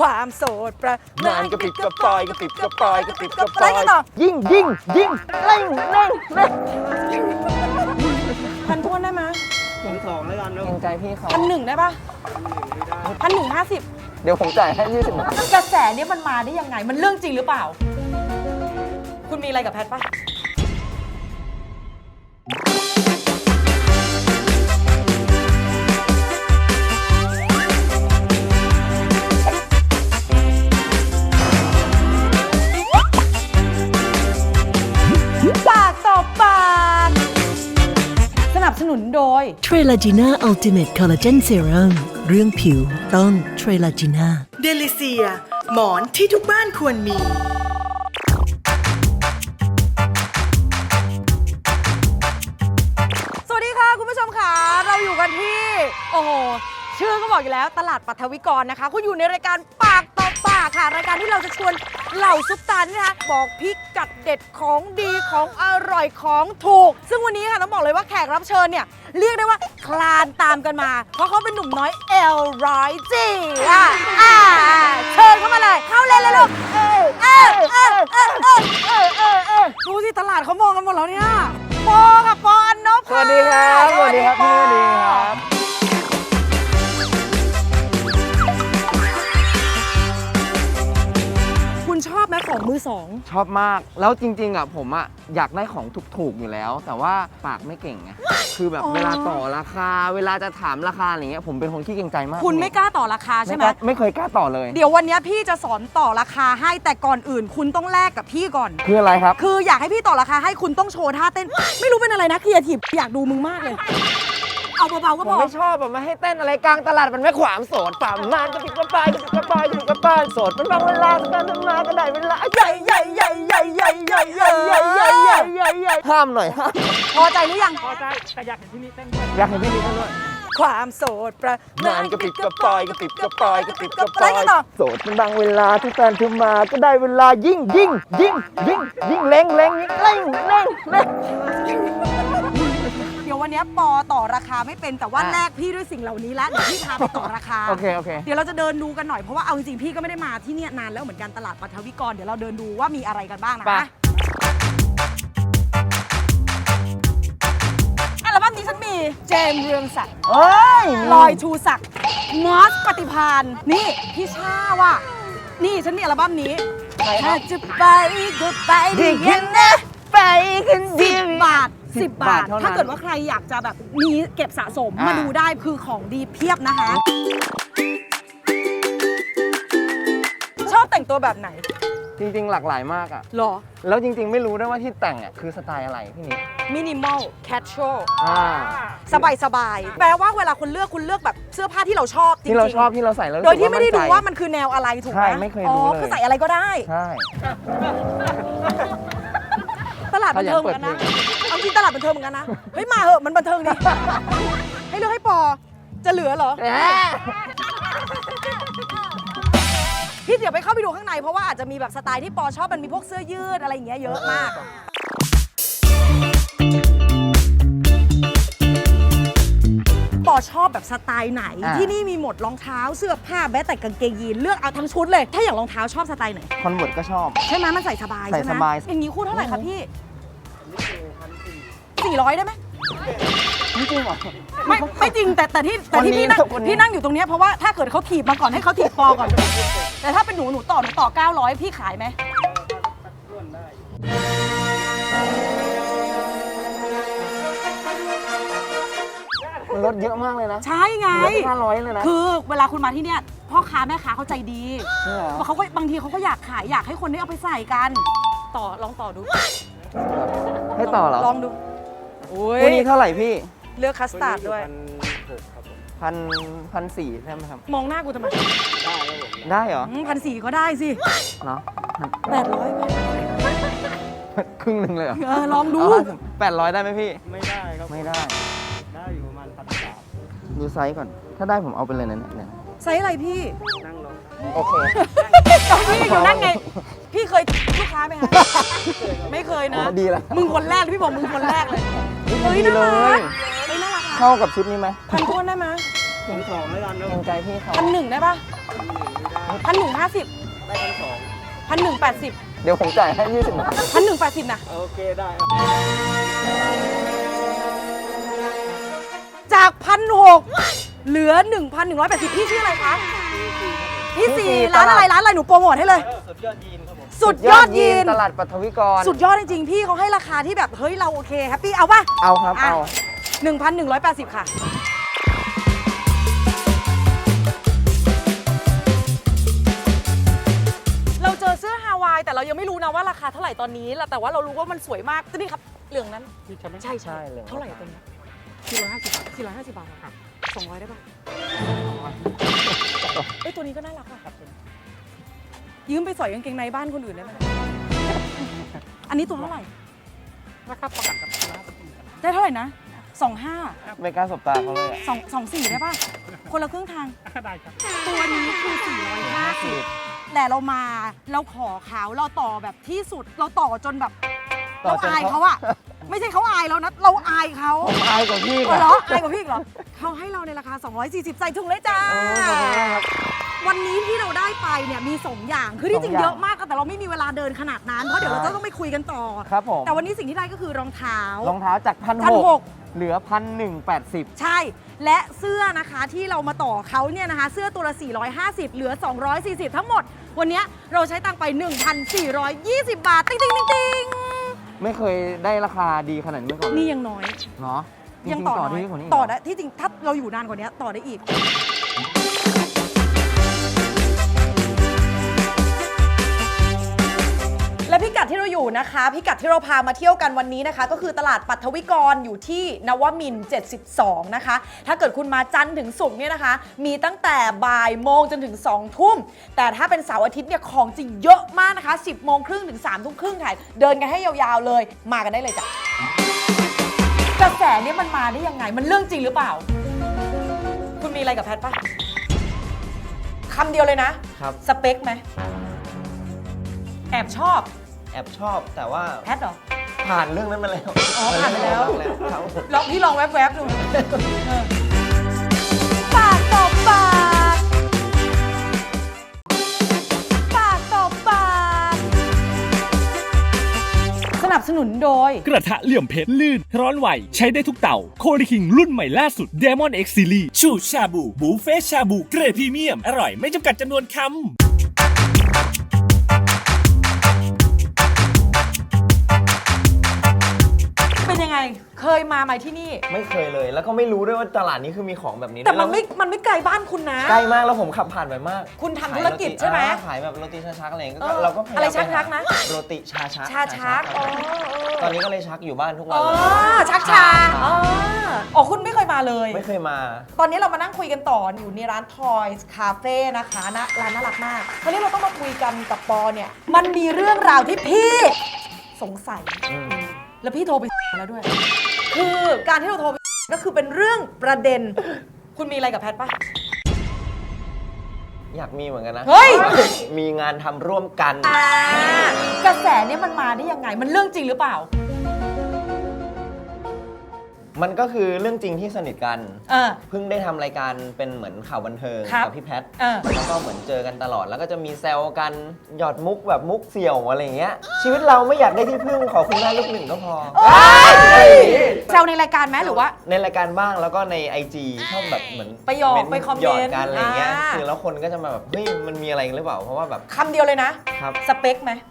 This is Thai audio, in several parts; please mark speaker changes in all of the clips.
Speaker 1: ความโสดประ
Speaker 2: นานกระปิบกระปอยกระปิบกระปอยกระปิบกระป
Speaker 1: อะไร
Speaker 2: อย
Speaker 1: กันต่อ
Speaker 2: ยิ่งเร่ง
Speaker 1: พันท้วนได้ไหม
Speaker 3: ผมสองแล้วกันนะ
Speaker 2: เกรงใจพี่เขา
Speaker 1: 1,100ได้ปะ1,150
Speaker 2: เดี๋ยวผมจ่ายให้20 บาท
Speaker 1: กระแสเนี้ยมันมาได้ยังไงมันเรื่องจริงหรือเปล่า คุณมีอะไรกับแพทปะปากต่อปากสนับสนุนโดย
Speaker 4: เทรลาจีน่าอัลติเมทคอลลาเจนเซรั่มเรื่องผิวต้องเทรลาจีน่าเดลิเซียหมอนที่ทุกบ้านควรมี
Speaker 1: สวัสดีค่ะคุณผู้ชมค่ะเราอยู่กันที่ โอ้โหชื่อก็บอกอยู่แล้วตลาดปัทวิกรนะคะคุณอยู่ในรายการปากต่อปากค่ะรายการที่เราจะชวนเหล่าซุปตานี่นะคะบอกพิกัดเด็ดของดีของอร่อยของถูก ซึ่งวันนี้ค่ะต้องบอกเลยว่าแขกรับเชิญเนี่ยเรียกได้ว่าคลานตามกันมา เพราะเขาเป็นหนุ่มน้อยL100Gเชิญเข้ามาเลยเข้าเลยลูกดูสิตลาดเขามองกันหมดแล้วเนี่ยปอกับปออันนบ
Speaker 2: สวัสดีครับสวัสดีครับพี่สวัสดีครับ
Speaker 1: คุณชอบไหมของมือสอง
Speaker 2: ชอบมากแล้วจริงๆอ่ะผมอ่ะอยากได้ของถูกๆอยู่แล้ว แต่ว่าปากไม่เก่งไงคือแบบเวลาต่อราคาเวลาจะถามราคาอะไรเงี้ยผมเป็นคนขี้เกรงใจมาก
Speaker 1: คุณไม่กล้าต่อราคาใช่ไหม
Speaker 2: ไม่เคยกล้าต่อเลย
Speaker 1: เดี๋ยววันนี้พี่จะสอนต่อราคาให้แต่ก่อนอื่น คุณต้องแลกกับพี่ก่อน
Speaker 2: คืออะไรครับ
Speaker 1: คืออยากให้พี่ต่อราคาให้คุณต้องโชว์ท่าเต้น ไม่รู้เป็นอะไรนะครีเอทีฟอยากดูมึงมากเลย เอาเบาๆก็
Speaker 2: ผ
Speaker 1: พ
Speaker 2: ม
Speaker 1: อ
Speaker 2: ไม่ชอบแบบมาให้เต้นอะไรกลางตลาดมันไม่ขวามโสดป่ามานกระปิดกระปายกระปิดกระปายกระปิดกระปายโสดมันบางเวลาการทำงานก็ได้เวลาใหญ่ห้ามหน่อยห้าม
Speaker 1: พอใจหรือยัง
Speaker 3: พอใจแต่อยากเห็นที่นี่เต้นด้วย
Speaker 2: อยากเห็นพี่นี่ด้วย
Speaker 1: ความโสดประ
Speaker 2: นานกระปิดกระปายกระปิดกระปายกระปิดกระ
Speaker 1: อะไร
Speaker 2: ปาย
Speaker 1: กันต่อ
Speaker 2: โสดมันบางเวลาที่แฟนเธอมาก็ได้เวลายิ่งเร่ง
Speaker 1: เดี๋ยววันนี้ปอต่อราคาไม่เป็นแต่ว่าแลกพี่ด้วยสิ่งเหล่านี้แล้วเดี๋ยวพี่พาไปต่อราคา
Speaker 2: โอเค
Speaker 1: เดี๋ยวเราจะเดินดูกันหน่อยเพราะว่าเอาจริงๆพี่ก็ไม่ได้มาที่เนี่ยนานแล้วเหมือนกันตลาดปัทวิกรเดี๋ยวเราเดินดูว่ามีอะไรกันบ้างนะ
Speaker 2: ไป
Speaker 1: อัลบั้มนี้ฉันมีเจมส์เรืองศักดิ์
Speaker 2: เอ้ย
Speaker 1: ลอยชูศักดิ์มอสปฏิพานนี่พี่ชาว่ะนี่ฉันมีอัลบั้มนี้ถ้าจะไปก็ไปดีกันนะ
Speaker 2: ไปกันดี
Speaker 1: 10 บาท 10 บาท
Speaker 2: เท่านั้น
Speaker 1: ถ้าเกิดว่าใครอยากจะแบบมีเก็บสะสม
Speaker 2: อ่าม
Speaker 1: มาดูได้คือของดีเพียบนะคะ ชอบแต่งตัวแบบไหน
Speaker 2: จริงๆหลากหลายมากอ่ะ
Speaker 1: หรอ
Speaker 2: แล้วจริงๆไม่รู้ด้วยว่าที่แต่งอ่ะคือสไตล์อะไรพี่นิด
Speaker 1: มินิมอลแคชชวล
Speaker 2: อ่า
Speaker 1: สบายๆแปลว่าเวลาคุณเลือกแบบเสื้อผ้าที่เราชอบจริงๆ
Speaker 2: ที่เราชอบที่เราใส่แล้ว
Speaker 1: โดยที่ไม่ได้ดูว่า
Speaker 2: มั
Speaker 1: มันคือแนวอะไรถูกไหม
Speaker 2: ใช่ไม่เคยดูเลย
Speaker 1: คือใส่อะไรก็ได้
Speaker 2: ใช่
Speaker 1: ตลาดบันเทิงเหมือนกันนะเอาจริงตลาดบันเทิงเหมือนกันนะ เฮ้ยมาเหอะมันบันเทิงดี ให้เลือกให้ปอ จะเหลือเหรอ พี่เดี๋ยวไปเข้าไปดูข้างในเพราะว่าอาจจะมีแบบสไตล์ที่ปอชอบมันมีพวกเสื้อยืดอะไรอย่างเงี้ยเยอะมาก ปอชอบแบบสไตล์ไหน ที่นี่มีหมดรองเท้าเสื้อผ้าแม้แต่กางเกงยีนเลือกเอาทั้งชุดเลย ถ้าอย่างรองเท้าชอบสไตล์ไหน
Speaker 2: คอนเวิร์ตก็ชอบ
Speaker 1: ใช่ไหมมันใส่สบาย
Speaker 2: ใส่
Speaker 1: ใช่ไหม
Speaker 2: สบาย
Speaker 1: อย่างนี้คู่เท่าไหร่คะพี่400ได้ไหม
Speaker 2: จริงเหรอ
Speaker 1: ไม่จริงแต่ที่พี่นั่ง
Speaker 2: คนนี้
Speaker 1: พี่นั่งอยู่ตรงเนี้ยเพราะว่าถ้าเกิดเขาถีบมาก่อนให้เขาถีบปอก่อน แต่ถ้าเป็นหนูต่อ900พี่ขายไหม
Speaker 2: มันลดเยอะมากเลยนะ
Speaker 1: ใช่ไง
Speaker 2: ลด500เลยนะ
Speaker 1: คือเวลาคุณมาที่เนี่ยพ่อค้าแม่ค้าเขาใจดี
Speaker 2: ใช่เหรอ
Speaker 1: เขาก็บางทีเขาก็อยากขายอยากให้คนได้เอาไปใส่กันลองต่อดู
Speaker 2: ให้ต่อเหรอ
Speaker 1: ลองดูโอ้ย
Speaker 2: คู่นี้เท่าไหร่พี่
Speaker 1: เลือกคัสตาร์ดด้วย
Speaker 3: 1,600ครับผม
Speaker 2: 1,400ใช่ไหมครับ
Speaker 1: มองหน้ากูทำไม
Speaker 3: ได้ครับผม
Speaker 2: ได้เหรอ
Speaker 1: 1,400ก็ได้สิ
Speaker 2: เนาะ
Speaker 1: 800
Speaker 2: ครึ่งหนึ่งเลยเหรอ
Speaker 1: ลองดู
Speaker 2: 800ได้ไหมพี่
Speaker 3: ไม่ได้ครับ
Speaker 2: ไม่ได้
Speaker 3: ได้อยู่ประมาณ1,300
Speaker 2: ดูไซส์ก่อน ถ้าได้ผมเอาไปเลยนะเนี่ย
Speaker 1: ไซส์อะไรพี่
Speaker 3: นั่งรอ
Speaker 2: โอเค
Speaker 1: ตอนพี่อยู่นั่งไง พี่เคยลูกค้าไหมคะ ไม่เคยนะ
Speaker 2: อ๋อดีแล้ว
Speaker 1: มึงคนแรกพี่บอกมึงคนแรกเลย เฮ้ย
Speaker 2: ดี
Speaker 1: น่า
Speaker 2: เล
Speaker 1: รั
Speaker 2: ย
Speaker 1: กเฮ้ยน่ารักอะ
Speaker 2: เข้ากับชุดนี้ไหม
Speaker 1: พันท้วนได้ไหม
Speaker 3: ผมสองแล้วกันนะ
Speaker 2: เกรงใจพี่เขา
Speaker 1: 1,100ได้ปะ 1,150
Speaker 3: ได้ทั้งสอง
Speaker 1: 1,180
Speaker 2: เดี๋ยวผมจ่ายให้ 20 บาท
Speaker 1: 1,180นะ
Speaker 3: โอเคได้ครับ
Speaker 1: จาก 1,600 เหลือ 1,180 พี่ชื่ออะไรคะ พี่สี
Speaker 2: พี่สี
Speaker 1: ร้านอะไร
Speaker 2: ตลาด
Speaker 1: ร้านอะไรหนูโปรโมทให้เลย
Speaker 3: สุดยอดยีนครับผม
Speaker 1: สุดยอดยีน
Speaker 2: ตลาดปัทวิกร
Speaker 1: สุดยอดจริงๆ พี่เขาให้ราคาที่แบบ เฮ้ย เราโอเคแฮปปี้เอาป่ะ
Speaker 2: เอาครับ
Speaker 1: อ่ะ
Speaker 2: เอา
Speaker 1: 1,180 ค่ะ เราเจอเสื้อฮาวายแต่เรายังไม่รู้นะว่าราคาเท่าไหร่ตอนนี้แต่ว่าเรารู้ว่ามันสวยมากนี่ครับเหลืองนั้น
Speaker 3: นี่ใช่ไหม
Speaker 1: ใช่
Speaker 2: ใช่เลย
Speaker 1: เท่าไหร่ตัวนี้450 บาทครับ200ได้ป่ะเอ้ยตัวนี้ก็น่ารักว่ะยืมไปสอยกางเกงในบ้านคนอื่นได้ไหมอันนี้ตัวเท่าไหร่
Speaker 3: ราคาประกันกับร้าน
Speaker 1: ได้เท่าไหร่นะ25
Speaker 2: ไม่กล้าสบตาเขาเลยอะ
Speaker 1: 24ได้ป่ะคนละครึ่งทาง
Speaker 3: ได้ครับ
Speaker 1: ตัวนี้คือ450แต่เรามาเราขอเขาเราต่อแบบที่สุดเราต่อจนแบบ
Speaker 2: ต่
Speaker 1: เรา
Speaker 2: อจน
Speaker 1: อายเขาอะไม่ใช่เขาอายเรานะเราอายเขา
Speaker 2: ผมอายกว่าพี่
Speaker 1: เหรออายกว่าพี่อีกเหรอเขาให้เราในราคา240ใส่ถุงเลยจ้า
Speaker 2: ขอบคุณมากครับ
Speaker 1: วันนี้ที่เราได้ไปเนี่ยมี2อย่างคือที่จริง
Speaker 2: 2
Speaker 1: เยอะมากแต่เราไม่มีเวลาเดินขนาดนั้นเพราะเดี๋ยวเราจะต้องไปคุยกันต่อ
Speaker 2: ครับผม
Speaker 1: แต่วันนี้สิ่งที่ได้ก็คือรองเท้าร
Speaker 2: องเท้าจาก
Speaker 1: 1,600
Speaker 2: 1,600 เหลือ 1,180
Speaker 1: ใช่ และเสื้อนะคะที่เรามาต่อเขาเนี่ยนะคะ เสื้อตัวละ450เหลือ240ทั้งหมด วันนี้เราใช้ตังค์ไป 1,420 บาท ติ๊งติ๊งติ๊งติ๊ง
Speaker 2: ไม่เคยได้ราคาดีขนาดนี้มาก่อนเลย
Speaker 1: นี่ยังน้อย
Speaker 2: เนาะจริ
Speaker 1: ยัง
Speaker 2: ๆ
Speaker 1: ต่อ
Speaker 2: ต่อ
Speaker 1: น้อย
Speaker 2: ที่กว่านี้
Speaker 1: ต่อได้ที่จริงถ้าเราอยู่นานกว่านี้ต่อได้อีก และพิกัดที่เราอยู่นะคะ พิกัดที่เราพามาเที่ยวกันวันนี้นะคะ ก็คือตลาดปัทวิกรอยู่ที่นวมินทร์72 นะคะ ถ้าเกิดคุณมาจันทร์ถึงศุกร์เนี่ยนะคะ มีตั้งแต่บ่ายโมงจนถึง2 ทุ่ม แต่ถ้าเป็นเสาร์อาทิตย์เนี่ยของจริงเยอะมากนะคะ 10 โมงครึ่งถึง3 ทุ่มครึ่งค่ะเดินกันให้ยาวๆเลยมากันได้เลยจ้ะกระแสเนี่ยมันมาได้ยังไงมันเรื่องจริงหรือเปล่า คุณมีอะไรกับแพทปะคำเดียวเลยนะครับ สเปคไหมแอบชอบ
Speaker 2: แอบชอบแต่ว่า
Speaker 1: แพทเหรอ
Speaker 2: ผ่านเรื่องนั้นมาแล้ว
Speaker 1: อ๋อผ่านไปแล้ว
Speaker 2: ครับ
Speaker 1: ลองพี่ลองแวบๆดูปากต่อปากปากต่อปากสนับสนุนโดย
Speaker 5: กระทะเหลี่ยมเพชรลื่น ร้อนไหว ใช้ได้ทุกเต่าโคดิคิงรุ่นใหม่ล่าสุด Demon X Series ชูชาบูบูเฟ่ชาบูเกรดพรีเมียม อร่อยไม่จำกัดจำนวนคำ
Speaker 1: เป็นยังไง เคยมาไหมที่นี่
Speaker 2: ไม่เคยเลย แล้วก็ไม่รู้ด้วยว่าตลาดนี้คือมีของแบบนี้
Speaker 1: แต่มัน
Speaker 2: ด้วย
Speaker 1: ไม่ไกลบ้านคุณนะ
Speaker 2: ใกล้มากแล้วผมขับผ่านไปมาก
Speaker 1: คุณทำธุรกิจใช่ไหม
Speaker 2: ขายแบบโรตีชาชักอะไรอย่างเงี้ย
Speaker 1: เอ
Speaker 2: ก็
Speaker 1: อ
Speaker 2: เราก็พยายาม
Speaker 1: อะไร
Speaker 2: ปหา
Speaker 1: ชักๆนะ
Speaker 2: โรตีชาชัก
Speaker 1: ชาชัก
Speaker 2: ครับตอนนี้ก็เลยชักอยู่บ้านทุกวัน
Speaker 1: อ๋อ
Speaker 2: เลย
Speaker 1: ชักชาอ๋อคุณไม่เคยมาเลย
Speaker 2: ไม่เคยมา
Speaker 1: ตอนนี้เรามานั่งคุยกันต่ออยู่ในร้าน Toys Cafe นะคะนะร้านน่ารักมากคราวนี้เราต้องมาคุยกันกับปอเนี่ย มันมีเรื่องราวที่พี่สงสัย แล้วพี่โทรไปแล้วด้วย คือการที่เราโทรไปก็คือเป็นเรื่องประเด็น คุณมีอะไรกับแพทปะ
Speaker 2: อยากมีเหมือนกันนะ
Speaker 1: เฮ้ย
Speaker 2: มีงานทำร่วมกัน
Speaker 1: กระแสเนี่ยมันมาได้ยังไง มันเรื่องจริงหรือเปล่า
Speaker 2: มันก็คือเรื่องจริงที่สนิทกัน
Speaker 1: เออ
Speaker 2: เพิ่งได้ทำรายการเป็นเหมือนข่าวบันเทิง
Speaker 1: ครับ
Speaker 2: กับพี่แพท
Speaker 1: เออ
Speaker 2: แล้วก็เหมือนเจอกันตลอด แล้วก็จะมีแซวกันหยอดมุกแบบมุกเสี่ยวอะไรอย่างเงี้ย ชีวิตเราไม่อยากได้ที่พึ่งขอคุณแม่ลูกหนึ่งก็พอ
Speaker 1: แซวในรายการไหมหรือว่า
Speaker 2: ในรายการบ้างแล้วก็ใน IG ชอบแบบเหมือน
Speaker 1: ไปหยอกไปคอมเมนต์
Speaker 2: หยอดกันอะไรอย่างเงี้ย
Speaker 1: อ่า
Speaker 2: คือแล้วคนก็จะมาแบบเฮ้ยมันมีอะไรกันหรือเปล่าเพราะว่าแบบ
Speaker 1: คำเดียวเลยนะ
Speaker 2: ครับ
Speaker 1: สเปคไหม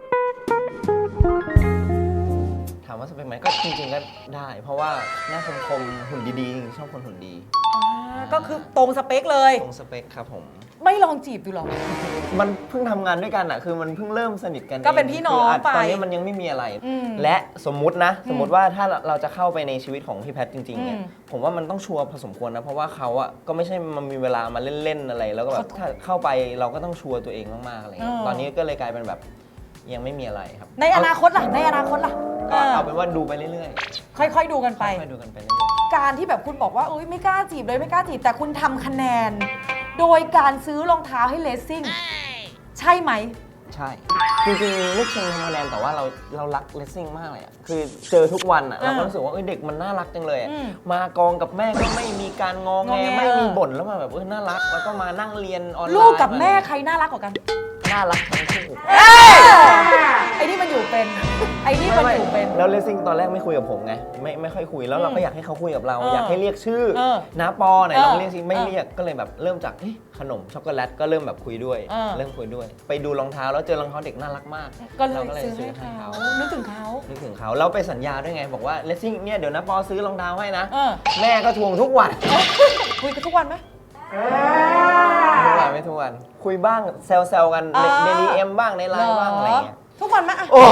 Speaker 2: ถามว่าสเปคไหมก็จริงๆก็ได้ เพราะว่าหน้าคมๆหุ่นดีๆชอบคนหุ่นดี
Speaker 1: ก็คือตรงสเปคเลย
Speaker 2: ตรงสเปคครับผม
Speaker 1: ไม่ลองจีบดูหรอ
Speaker 2: มันเพิ่งทำงานด้วยกันอะคือมันเพิ่งเริ่มสนิทกัน
Speaker 1: ก็เป็นพี่น้อง
Speaker 2: คื
Speaker 1: ไป
Speaker 2: ตอนนี้มันยังไม่มีอะไร
Speaker 1: อืม
Speaker 2: และสมมุตินะ สมมุติว่าถ้าเราจะเข้าไปในชีวิตของพี่แพทจริงๆเนี่ย
Speaker 1: อืม
Speaker 2: ผมว่ามันต้องชัวร์พอสมควรนะ เพราะว่าเขาอะก็ไม่ใช่มันมีเวลามาเล่นๆอะไร แล้วก็แบบถ้าเข้าไปเราก็ต้องชัวร์ตัวเองมากๆอะไรเงี้ยตอนนี้ก็เลยกลายเป็นแบบยังไม่มีอะไรครับ
Speaker 1: ในอนาคตล่ะ ในอนาคตล่ะ
Speaker 2: ก็เอาเป็นว่าดูไปเรื่อย
Speaker 1: ค่อยๆดูกัน
Speaker 2: ๆ
Speaker 1: ไป
Speaker 2: ค่อยๆดูกันไปเรื่อย
Speaker 1: การที่แบบคุณบอกว่าเอ้ยไม่กล้าจีบเลยไม่กล้าจีบแต่คุณทำคะแนน โดยการซื้อรองเท้าให้เลสซิ่ง ใช่ไหม
Speaker 2: ใช่ จริงๆไม่เชิงทำคะแนนแต่ว่าเรารักเลสซิ่งมากเลยอะคือเจอทุกวันอะเราก็รู้สึกว่าเด็กมันน่ารักจังเลยอะมากองกับแม่ก็ไม่มีการงอแงไม่มีบ่นแล้วมาแบบน่ารักแล้วก็มานั่งเรียนออนไลน์
Speaker 1: ลูกกับแม่ใครน่ารักกว่ากัน
Speaker 2: น่ารักทั้งคู่
Speaker 1: ไอ้นี่มันอยู่เป็น ไอ้นี่มันอยู่เป็น
Speaker 2: แล้วเลสซิ่งตอนแรกไม่คุยกับผมไงไม่ค่อยคุยแล้วเราก็อยากให้เขาคุยกับเรา อยากให้เรียกชื่อน้าปอไหนลองเรียกสิไม่เรียกก็เลยแบบเริ่มจากขนมช็อกโกแลตก็เริ่มแบบคุยด้วยเริ่มคุยด้วย ไปดูรองเท้าแล้วเจอรองเท้าเด็กน่ารักมาก
Speaker 1: ก็เลย
Speaker 2: เราก็เลย
Speaker 1: ซื้อ
Speaker 2: ซื้อ
Speaker 1: ให้
Speaker 2: ให้
Speaker 1: เขา
Speaker 2: เขา
Speaker 1: นึกถึงเขา
Speaker 2: นึกถึงเขาแล้วไปสัญญาด้วยไงบอกว่าเลสซิ่งเนี่ยเดี๋ยวน้าปอซื้อรองเท้าให้นะ
Speaker 1: เออ
Speaker 2: แม่ก็ทวงทุกวัน
Speaker 1: คุยกันทุกวันไหม
Speaker 2: ทุกวันไม่ทุกวันคุยบ้างแซวๆกันในดีเอ็มบ้างในไลน์บ้างอะไรอย่างเงี้ย
Speaker 1: ทุกวันไหมอะ
Speaker 2: โอ้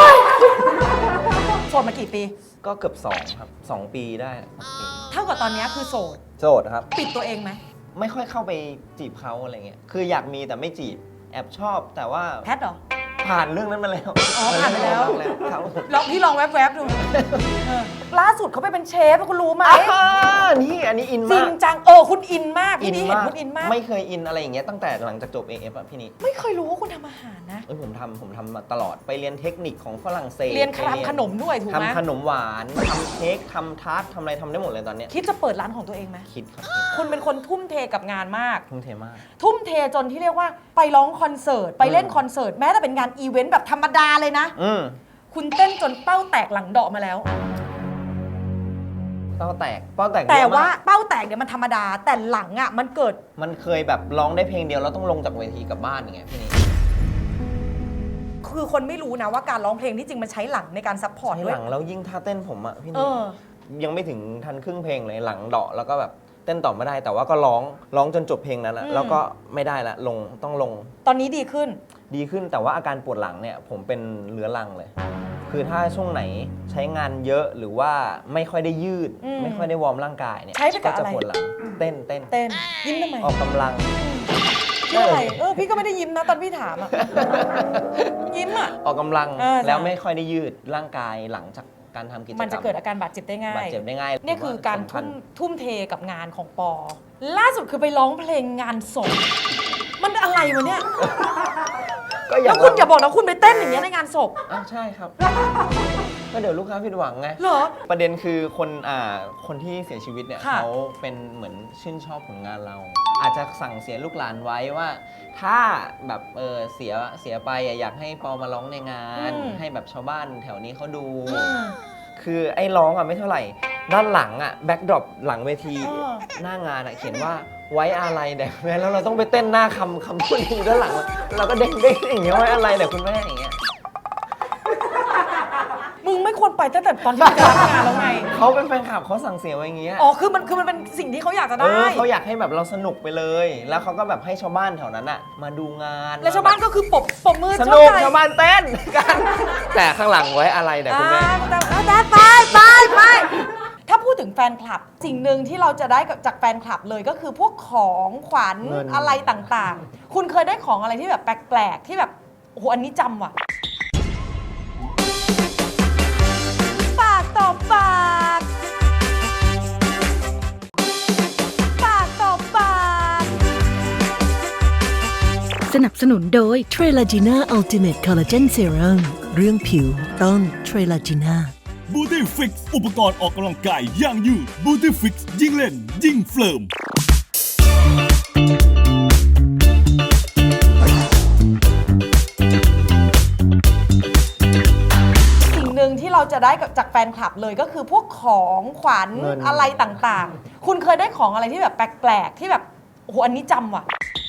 Speaker 1: โสดมากี่ปี
Speaker 2: ก็เกือบ2ครับ2 ปีได้2 ปี
Speaker 1: เท่ากับตอนนี้คือโสด
Speaker 2: โสดครับ
Speaker 1: ปิดตัวเองไหม
Speaker 2: ไม่ค่อยเข้าไปจีบเขาอะไรเงี้ย คืออยากมีแต่ไม่จีบ แอบชอบแต่ว่า
Speaker 1: แพทเหรอ
Speaker 2: ผ่านเรื่องนั้นมาแล้ว
Speaker 1: อ๋อผ่านไปแล้ว
Speaker 2: ครับ
Speaker 1: ลองพี่ลองแวบๆดูล่าสุดเขาไปเป็นเชฟคุณรู้ไหม
Speaker 2: นี่อันนี้อิน
Speaker 1: จริ
Speaker 2: มาง ก
Speaker 1: จังคุณอินมากพี่นี่เห็นคุณอินมาก
Speaker 2: ไม่เคยอินอะไรอย่างเงี้ยตั้งแต่หลังจากจบ AF อะพี่นี่
Speaker 1: ไม่เคยรู้ว่าคุณทำอาหารนะ
Speaker 2: ผมทำมาตลอดไปเรียนเทคนิคของฝรั่งเศส
Speaker 1: เรียนทำขนมด้วยถูกไหม
Speaker 2: ทำขนมหวานทำเค้กทำทาร์ตทำอะไรทำได้หมดเลยตอนเนี้ย
Speaker 1: คิดจะเปิดร้านของตัวเองไหม
Speaker 2: คิดครับ
Speaker 1: คุณเป็นคนทุ่มเทกับงานมาก
Speaker 2: ทุ่มเทมาก
Speaker 1: ทุ่มเทจนที่เรียกว่าไปร้องคอนเสิร์ตไปเล่นคอนเสิร์ตแม้แต่เป็นงานอีเวนต์แบบธรรมดาเลยนะ คุณเต้นจนเป้าแตกหลังเดาะมาแล้ว
Speaker 2: เป้าแตกเย
Speaker 1: แต่
Speaker 2: อะมก
Speaker 1: ว่าเป้าแตกเนี่ยมันธรรมดาแต่หลังอ่ะมันเกิด
Speaker 2: มันเคยแบบร้องได้เพลงเดียวแล้วต้องลงจากเวทีกลับบ้านอย่างเงี้ยพี่นี่
Speaker 1: คือคนไม่รู้นะว่าการร้องเพลงที่จริงมันใช้หลังในการซัพพอร์ต
Speaker 2: ใช้
Speaker 1: ด้ว
Speaker 2: ห
Speaker 1: ย
Speaker 2: ลังแล้วยิ่งท่าเต้นผมอะพี่
Speaker 1: เอ
Speaker 2: นี่
Speaker 1: อ
Speaker 2: ยังไม่ถึงทันครึ่งเพลงเลยหลังเดาะแล้วก็แบบเต้นต่อไม่ได้ แต่ว่าก็ร้องจนจบเพลงนั้นอะแล้วก็ไม่ได้ละต้องลง
Speaker 1: ตอนนี้ดีขึ้น
Speaker 2: ดีขึ้นแต่ว่าอาการปวดหลังเนี่ยผมเป็นเรื้อรังเลย คือถ้าช่วงไหนใช้งานเยอะหรือว่าไม่ค่อยได้ยืด ไม่ค่อยได้วอร์มร่างกายเนี่ย
Speaker 1: ใช้ไปกับ
Speaker 2: จะ
Speaker 1: อะไร
Speaker 2: ปวดหลังเต้น
Speaker 1: เต้นยิ้มทำไม
Speaker 2: ออกกำลัง
Speaker 1: ชื่ออะไรพี่ก็ไม่ได้ยิ้มนะตอนพี่ถามอ่ะ ยิ้มอ่ะ
Speaker 2: ออกกำลัง
Speaker 1: ใช่
Speaker 2: แล้วไม่ค่อยได้ยืดร่างกายหลังจากการทำกิจกรรม
Speaker 1: มันจะเกิดอาการบาดเจ็บได้ง่าย
Speaker 2: บาดเจ็บได้ง่าย
Speaker 1: เนี่ยคือการ
Speaker 2: สำคัญ
Speaker 1: ทุ่มเทกับงานของปอ ล่าสุดคือไปร้องเพลงงานศพมันอะไรวะเนี่ย
Speaker 2: ก็
Speaker 1: แล้วคุณอย่าบอกนะคุณไปเต้นอย่างเงี้ยในงานศพ
Speaker 2: ใช่ครับ ก็เดี๋ยวลูกค้าผิดหวังไง
Speaker 1: เหรอ
Speaker 2: ประเด็นคือคนที่เสียชีวิตเนี่ย
Speaker 1: ค่ะ
Speaker 2: เขาเป็นเหมือนชื่นชอบผลงานเรา อาจจะสั่งเสียลูกหลานไว้ว่า ถ้าแบบเสียไปอยากให้ปอมาร้องในงาน ให้แบบชาวบ้านแถวนี้เขาดู คือไอ้ร้องไม่เท่าไหร่ ด้านหลังแบ็กดรอปหลังเวที หน้างานเขียนว่าไว้อะไรแด่คุณแม่แล้วเราต้องไปเต้นหน้าคำพูดนี้ด้านหลังเราก็เด้งอย่างเงี้ยไว้อะไรแด่คุณแม่อย่างเงี้ย
Speaker 1: มึงไม่ควรไปตั้งแต่ตอนที่มึงจะรับงานแล้วไง
Speaker 2: เขาเป็นแฟนคลับเขาสั่งเสียไว้อย่างเงี้ย
Speaker 1: อ๋อคือมันเป็นสิ่งที่เขาอยากจะได้
Speaker 2: เขาอยากให้แบบเราสนุกไปเลย แล้วเขาก็แบบให้ชาวบ้านแถวนั้นมาดูงาน
Speaker 1: แล้วชาวบ้านก็คือปรบมือ
Speaker 2: สนุก
Speaker 1: ใจ
Speaker 2: ชาวบ้านเต้นกัน แต่ข้างหลังไว้อะไรแด่คุณแม่
Speaker 1: ไปถ้าพูดถึงแฟนคลับ สิ่งหนึ่งที่เราจะได้จากแฟนคลับเลยก็คือพวกของขวัญ
Speaker 2: เงิน
Speaker 1: อะไรต่างๆ คุณเคยได้ของอะไรที่แบบแปลกๆที่แบบโอ้โหอันนี้จำว่ะปากต่อปากปากต่อปาก
Speaker 4: สนับสนุนโดย Trelagina Ultimate Collagen Serum เรื่องผิวต้อง Trelagina
Speaker 5: บูตี้ฟิกอุปกรณ์ออกกำลังกายอย่างยืดบูตี้ฟิกยิ่งเล่นยิ่งเฟิร์ม
Speaker 1: สิ่งหนึ่งที่เราจะได้จากแฟนคลับเลยก็คือพวกของขวัญ
Speaker 2: เงิน
Speaker 1: อะไรต่างๆ คุณเคยได้ของอะไรที่แบบแปลกๆที่แบบโอ้โหอันนี้จำว่ะ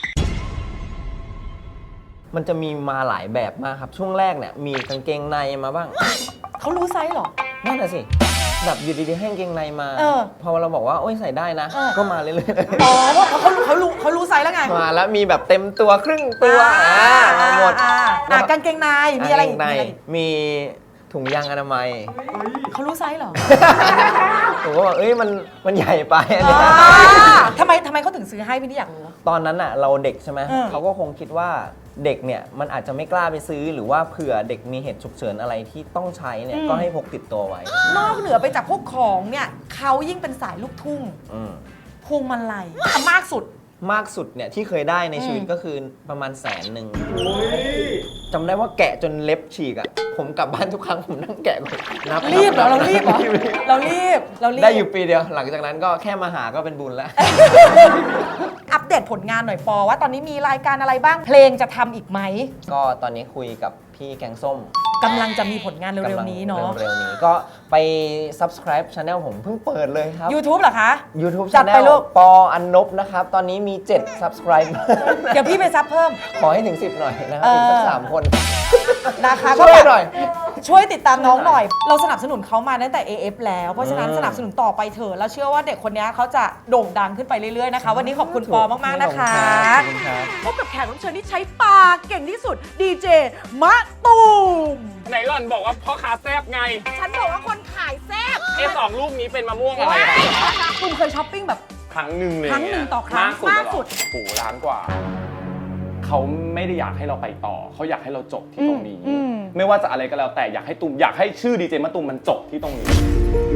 Speaker 2: มันจะมีมาหลายแบบมากครับ ช่วงแรกเนี่ยมีกางเกงในมาบ้าง
Speaker 1: เขารู้ไซส์เหรอ
Speaker 2: นั่นน่ะสิ แบบอยู่ดีๆให้กางเกงในมา พอเราบอกว่าโอ้ยใส่ได้นะ ก็มาเรื่อยๆ
Speaker 1: อ๋อเพราะเขารู้ไซส์แล้วไง
Speaker 2: มาแล้วมีแบบเต็มตัวครึ่งตัวมาหมด
Speaker 1: กางเกงในมีอะไรอีก
Speaker 2: ใน
Speaker 1: มีอะไรอีก
Speaker 2: มีถุงยางอนามัย
Speaker 1: เขารู้ไซส์เหรอ
Speaker 2: ผมก็บอกเอ้ยมันใหญ่ไปอันนี้
Speaker 1: ทำไมเขาถึงซื้อให้พี่นี่อยากรู้
Speaker 2: ตอนนั้นเราเด็กใช่ไหม
Speaker 1: เออ
Speaker 2: เขาก็คงคิดว่าเด็กเนี่ยมันอาจจะไม่กล้าไปซื้อหรือว่าเผื่อเด็กมีเหตุฉุกเฉินอะไรที่ต้องใช้เนี่ยก็ให้พกติดตัวไว้
Speaker 1: นอกเหนือไปจากพวกของเนี่ยเขายิ่งเป็นสายลูกทุ่ง
Speaker 2: อืม
Speaker 1: พวงมาลัยมากสุด
Speaker 2: มากสุดเนี่ยที่เคยได้ในชีวิตก็คือประมาณ100,000จำได้ว่าแกะจนเล็บฉีกอะผมกลับบ้านทุกครั้งผมนั่งแกะนับ
Speaker 1: รีบเหรอเรารีบเหรอเรารีบ
Speaker 2: ได้อยู่ปีเดียวหลังจากนั้นก็แค่มาหาก็เป็นบุญแล้ว
Speaker 1: อัปเดตผลงานหน่อยปอว่าตอนนี้มีรายการอะไรบ้างเพลงจะทำอีกไหม
Speaker 2: ก็ตอนนี้คุยกับพี่แกงส้ม
Speaker 1: กำลังจะมีผลงานเร็วๆนี้เนาะ
Speaker 2: เร็วๆนี้ก็ไป subscribe channel ผมเพิ่งเปิดเลยครับ
Speaker 1: YouTube เหรอคะ
Speaker 2: YouTube
Speaker 1: จัดไป
Speaker 2: channel
Speaker 1: ลูก
Speaker 2: ปออันนบนะครับ ตอนนี้มี 7 subscribe
Speaker 1: เดี๋ยวพี่ไปซับเพิ่ม
Speaker 2: ขอให้ถึง 10 หน่อยนะครับอีกสัก 3 คน
Speaker 1: นะคะ
Speaker 2: ช่วย
Speaker 1: ก็แบบ
Speaker 2: หน่อย
Speaker 1: ช่วยติดตามน้องหน่อย เราสนับสนุนเขามาตั้งแต่ AF แล้ว เพราะฉะนั้นสนับสนุนต่อไปเถอะแล้วเชื่อว่าเด็กคนนี้เขาจะโด่งดังขึ้นไปเรื่อยๆนะคะ วันนี้ขอบคุณปอมากๆนะคะ
Speaker 2: ขอบคุณครับ
Speaker 1: พบกับแขกรับเชิญที่ใช้ปากเก่งที่สุดดีเจมะตูม
Speaker 6: ไหนหล่อนบอกว่าพ่อค้าแซบไง
Speaker 1: ฉันบอกว่าคนขายแซ่บ
Speaker 6: สองลูกนี้เป็นมะม่วงอะไรคะ
Speaker 1: คุณเคยช้อปปิ้งแบบ
Speaker 6: ครั้งหนึ่งเลย
Speaker 1: ครั้งหนึ่งต่อครั้ง
Speaker 6: มาม
Speaker 1: าก กสุ
Speaker 6: สุ
Speaker 1: ด
Speaker 6: ดโอ้โหล้านกว่า เขาไม่ได้อยากให้เราไปต่อ เขาอยากให้เราจบที่ตรงนี้
Speaker 1: อืม
Speaker 6: ไม่ว่าจะอะไรก็แล้วแต่อยากให้ชื่อดีเจมะตูมมันจบที่ตรงนี้